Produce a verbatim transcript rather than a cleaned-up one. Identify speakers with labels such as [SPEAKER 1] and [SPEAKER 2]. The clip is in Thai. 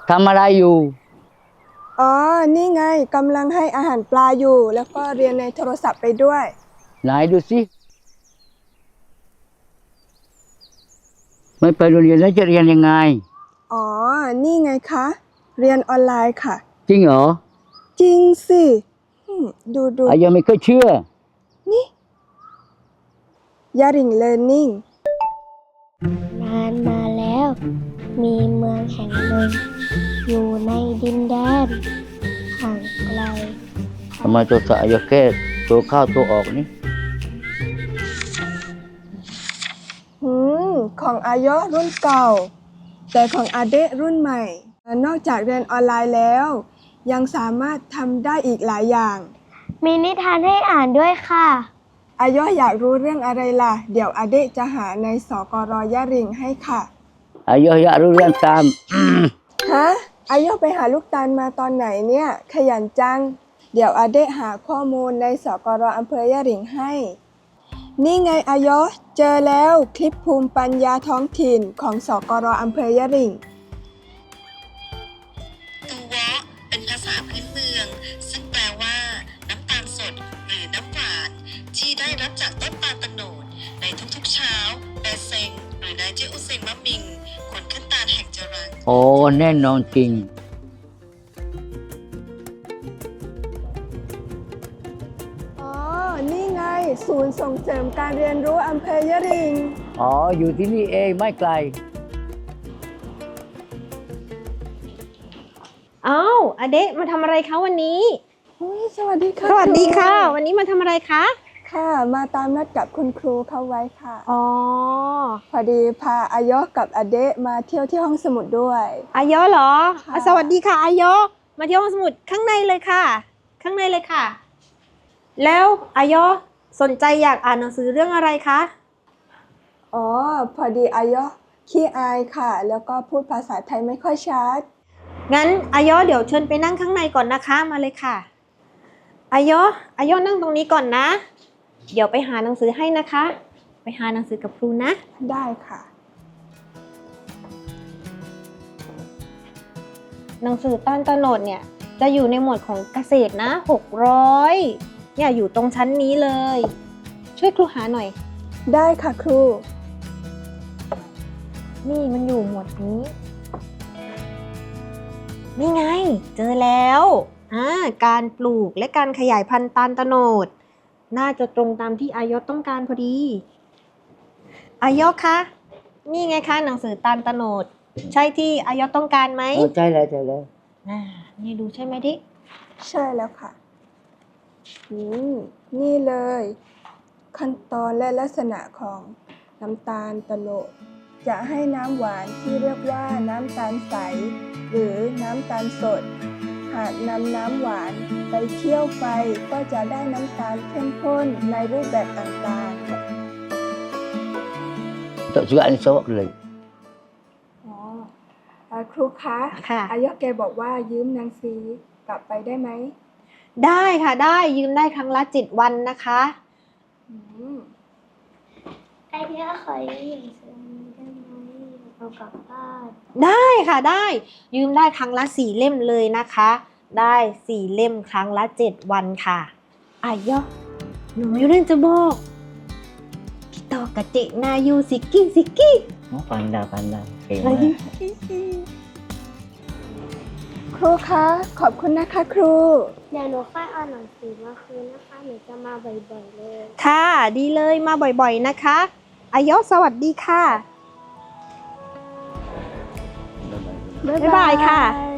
[SPEAKER 1] ทำอะไรอยู่
[SPEAKER 2] อ๋อนี่ไงกำลังให้อาหารปลาอยู่แล้วก็เรียนในโทรศัพท์ไปด้วย
[SPEAKER 1] ไหนดูสิไม่ไปโรงเรียนแล้วจะเรียนยังไง
[SPEAKER 2] อ๋อนี่ไงคะเรียนออนไลน์ค่ะ
[SPEAKER 1] จริงเหรอ
[SPEAKER 2] จริงสิดูดู
[SPEAKER 1] อายังไม่เคยเชื่อ
[SPEAKER 2] นี่ยาริงเลิร์นนิ่ง
[SPEAKER 3] นานมาแล้วมีเมืองแห่งหนึ่งอยู่ในดินแดนห่างไกล
[SPEAKER 1] ทำไมตัวสะอาแค่ตัวเข้าตัวออกนี่
[SPEAKER 2] อืมของอายะรุ่นเก่าแต่ของอาเดะรุ่นใหม่นอกจากเรียนออนไลน์แล้วยังสามารถทำได้อีกหลายอย่าง
[SPEAKER 3] มีนิทานให้อ่านด้วยค่ะ
[SPEAKER 2] อายะอยากรู้เรื่องอะไรล่ะเดี๋ยวอาเดะจะหาในสกรยะริงให้ค่ะ
[SPEAKER 1] อายะอยากรู้เรื่องตาม
[SPEAKER 2] ฮะอายะไปหาลูกตาลมาตอนไหนเนี่ยขยันจังเดี๋ยวอาเดะหาข้อมูลในสกรอำเภอยะริงให้นี่ไงอายะเจอแล้วคลิปภูมิปัญญาท้องถิ่นของสกรอำเภอยะริง
[SPEAKER 4] ตูวะเป็นภาษาพื้นเมืองซึ่งแปลว่าน้ำตาลสดหรือน้ำหวานที่ได้รับจากต้นตาลตะโนดในทุกๆเช้าแบเซงหรือนายเจอุเซงมะมิงคนขึ้นตาลแห่งจรัง
[SPEAKER 1] โอ้แน่นอนจริง
[SPEAKER 2] อ๋อนี่ไงศูนย์ส่งเสริมการเรียนรู้อำเภอยะริง
[SPEAKER 1] อ๋ออยู่ที่นี่เองไม่ไกล
[SPEAKER 5] อ้าวอเดะมาทำอะไรคะวันนี้
[SPEAKER 2] สวัสดีค่ะ
[SPEAKER 5] สวัสดีค่ะวันนี้มาทำอะไรคะ
[SPEAKER 2] ค่ะมาตามนัดกับคุณครูเขาไว้ค่ะ
[SPEAKER 5] อ๋อ
[SPEAKER 2] พอดีพาอายะกับอเดะมาเที่ยวที่ห้องสมุดด้วย
[SPEAKER 5] อายะเหรอสวัสดีค่ะอายะมาเที่ยวห้องสมุดข้างในเลยค่ะข้างในเลยค่ะแล้วอายะสนใจอยากอ่านหนังสือเรื่องอะไรคะ
[SPEAKER 2] อ๋อพอดีอายะขี้อายค่ะแล้วก็พูดภาษาไทยไม่ค่อยชัด
[SPEAKER 5] งั้นอายะเดี๋ยวเชิญไปนั่งข้างในก่อนนะคะมาเลยค่ะอายะอายะนั่งตรงนี้ก่อนนะเดี๋ยวไปหาหนังสือให้นะคะไปหาหนังสือกับครูนะ
[SPEAKER 2] ได้ค่ะ
[SPEAKER 5] หนังสือต้านตะโนดเนี่ยจะอยู่ในหมวดของเกษตรนะหกร้อยเนี่ยอยู่ตรงชั้นนี้เลยช่วยครูหาหน่อย
[SPEAKER 2] ได้ค่ะครู
[SPEAKER 5] นี่มันอยู่หมวดนี้นี่ไงเจอแล้วอ่าการปลูกและการขยายพันธุ์ตาลตะโนดน่าจะตรงตามที่อายะต้องการพอดีอายะคะนี่ไงคะหนังสือตาลตะโนดใช่ที่อายะต้องการไหม
[SPEAKER 1] ใช่แล้วใช่แล้ว
[SPEAKER 5] อ่านี่ดูใช่ไหมที่
[SPEAKER 2] ใช่แล้วค่ะอืมนี่เลยขั้นตอนและลักษณะของน้ำตาลตะโนดจะให้น้ำหวานที่เรียกว่าน้ำตาลใสหรือน้ำตาลสดหากนำน้ำหวานไปเคี่ยวไฟก็จะได้น้ำตาลเข้มข้นในรูปแบบต่างๆ
[SPEAKER 1] Untuk juga ni sawakเลย
[SPEAKER 2] อ๋อครูคะ
[SPEAKER 5] ค่ะ
[SPEAKER 2] อายะแกบอกว่ายืมหนังสือกลับไปได้ไหม
[SPEAKER 5] ได้ค่ะได้ยืมได้ครั้งละเจ็ดวันนะคะ
[SPEAKER 2] อืม
[SPEAKER 3] ไอเดียขอยืมหนังสือได้ไหมเอากลับบ้าน
[SPEAKER 5] ได้ค่ะได้ยืมได้ครั้งละสี่เล่มเลยนะคะได้สี่เล่มครั้งละเจ็ดวันค่ะอายะหนูมีเรื่องจะบอกพี่ต่อกะเจนายูสิกกี้สิกกี้
[SPEAKER 1] oh pandai pandai
[SPEAKER 2] ครูคะขอบคุณนะคะครู
[SPEAKER 3] เดี๋ยวหนูค่อยเอาหนังสือมาคืนนะคะหนูจะมาบ่อยๆเลย
[SPEAKER 5] ค่ะดีเลยมาบ่อยๆนะคะอายะสวัสดีค่ะบ๊ายบายค่ะ